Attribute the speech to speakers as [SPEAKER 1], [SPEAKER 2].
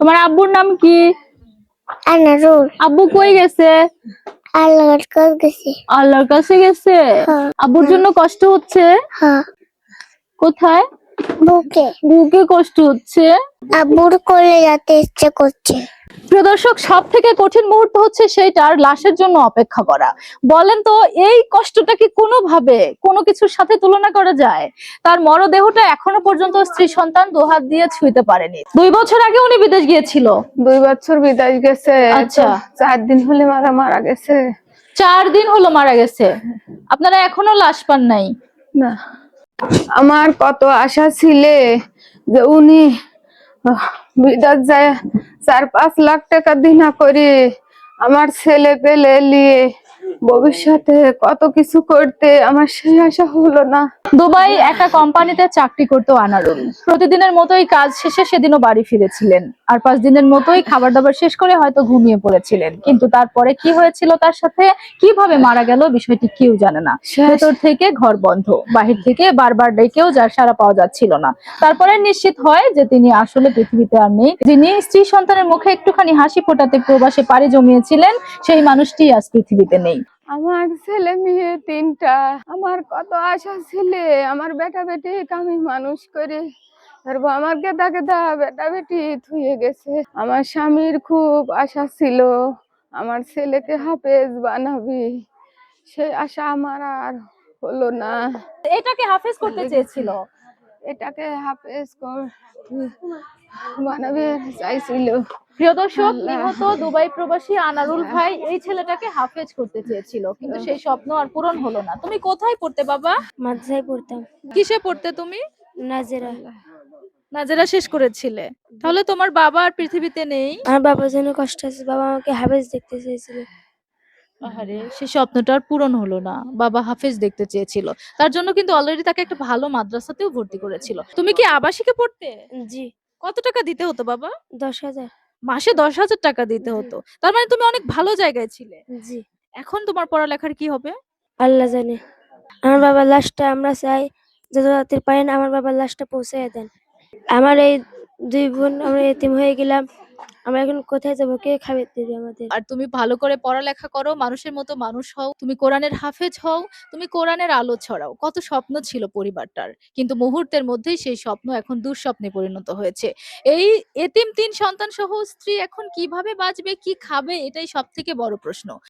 [SPEAKER 1] তোমার আব্বুর নাম কি?
[SPEAKER 2] আনারুল।
[SPEAKER 1] আব্বু কই গেছে?
[SPEAKER 2] আল্লাহর কাছে গেছে।
[SPEAKER 1] আল্লাহর কাছে গেছে।
[SPEAKER 2] হ্যাঁ।
[SPEAKER 1] আব্বুর জন্য কষ্ট হচ্ছে?
[SPEAKER 2] হ্যাঁ।
[SPEAKER 1] কোথায়?
[SPEAKER 2] বুকে।
[SPEAKER 1] বুকে কষ্ট হচ্ছে।
[SPEAKER 2] আব্বুর কোলে যেতে ইচ্ছে করছে।
[SPEAKER 1] প্রিয় দর্শক, সব থেকে কঠিন মুহূর্ত হচ্ছে সেইটার লাশের জন্য অপেক্ষা করা। বলেন তো, এই কষ্টটা কি কোনোভাবে কোনো কিছুর সাথে তুলনা করা যায়? তার মরদেহটা এখনো পর্যন্ত স্ত্রী সন্তান দুহাত দিয়ে ছুঁইতে পারেনি। 2 বছর আগে উনি বিদেশ গিয়েছিল।
[SPEAKER 3] 2 বছর বিদেশ গেছে।
[SPEAKER 1] আচ্ছা।
[SPEAKER 3] 4 দিন হলে মারা গেছে।
[SPEAKER 1] 4 দিন হলো মারা গেছে। আপনারা এখনো লাশ পান নাই?
[SPEAKER 3] না, আমার কত আশা ছিল যে উনি বিদেশ যায় 4-5 লাখ টাকা দিনা করে আমার ছেলে পেলে নিয়ে ভবিষ্যতে কত কিছু করতে, আমার সেই আশা হলো না।
[SPEAKER 1] দুবাই একটা কোম্পানিতে চাকরি করতো আনারুল। প্রতিদিনের মতোই কাজ শেষে সেদিনও বাড়ি ফিরেছিলেন, আর 5 দিনের মতোই খাবার দাবার শেষ করে হয়তো ঘুমিয়ে পড়েছিলেন। কিন্তু তারপরে কি হয়েছিল তার সাথে, কিভাবে মারা গেল, বিষয়টি কেউ জানে না। ভেতর থেকে ঘর বন্ধ, বাহির থেকে বারবার ডেকেও যার সাড়া পাওয়া যাচ্ছিল না। তারপরে নিশ্চিত হয় যে তিনি আসলে পৃথিবীতে আর নেই। যিনি স্ত্রী সন্তানের মুখে একটুখানি হাসি ফোটাতে প্রবাসে পাড়ি জমিয়েছিলেন, সেই মানুষটি আজ পৃথিবীতে নেই।
[SPEAKER 3] আমার ছেলে মেয়ে 3টা, আমার কত আশা ছিল আমার বেটা বেটি আমি মানুষ করে ধরবো। আমার গেদা গেদা বেটা বেটি থুয়ে গেছে। আমার স্বামীর খুব আশা ছিল আমার ছেলেকে হাফেজ বানাবি, সেই আশা আমার আর হলো না।
[SPEAKER 1] এটাকে হাফেজ করতে চেয়েছিল,
[SPEAKER 3] এটাকে হাফেজ বানাবে চাইছিল।
[SPEAKER 1] প্রিয় দর্শক, নিহত দুবাই প্রবাসী আনারুল ভাই এই ছেলেটাকে হাফেজ করতে চেয়েছিল, কিন্তু সেই স্বপ্ন আর পূরণ হলো না। তুমি কোথায় পড়তে বাবা?
[SPEAKER 2] মাদ্রাসায় পড়তাম।
[SPEAKER 1] কিসে পড়তে তুমি?
[SPEAKER 2] নাজেরা।
[SPEAKER 1] নাজেরা শেষ করেছিলে? তাহলে তোমার বাবা আর পৃথিবীতে নেই।
[SPEAKER 2] আমার বাবার জন্য কষ্ট আছে, বাবা আমাকে হাফেজ দেখতে চেয়েছিল।
[SPEAKER 1] আহারে, সেই স্বপ্নটা আর পূরণ হলো না। বাবা হাফেজ দেখতে চেয়েছিল, তার জন্য কিন্তু অলরেডি তাকে একটা ভালো মাদ্রাসাতেও ভর্তি করেছিল। তুমি কি আবাসিকে পড়তে?
[SPEAKER 2] জি।
[SPEAKER 1] কত টাকা দিতে হতো বাবা?
[SPEAKER 2] 10,000।
[SPEAKER 1] মাসে 10,000 টাকা দিতে হতো? তার মানে তুমি অনেক ভালো জায়গায় ছিলে।
[SPEAKER 2] জি।
[SPEAKER 1] এখন তোমার পড়ালেখার কি হবে?
[SPEAKER 2] আল্লাহ জানে। আমার বাবার লাশটা আমরা চাই যত তাড়াতাড়ি পারেন আমার বাবার লাশটা পৌঁছায় দেন। আমার এই 2 বোন আমরা এতিম হয়ে গেলাম। আমরা এখন কোথায় যাবো? কে খাবার দিবে আমাদের?
[SPEAKER 1] আর তুমি ভালো করে পড়ালেখা করো, মানুষের মতো মানুষ হও, তুমি কোরআনের হাফেজ হও, তুমি কোরআনের আলো ছড়াও। কত স্বপ্ন ছিল পরিবারটার, কিন্তু মুহূর্তের মধ্যেই সেই স্বপ্ন এখন দুঃস্বপ্নে পরিণত হয়েছে। এই এতিম 3 সন্তান সহ স্ত্রী এখন কিভাবে বাঁচবে, কি খাবে, এটাই সব থেকে বড় প্রশ্ন।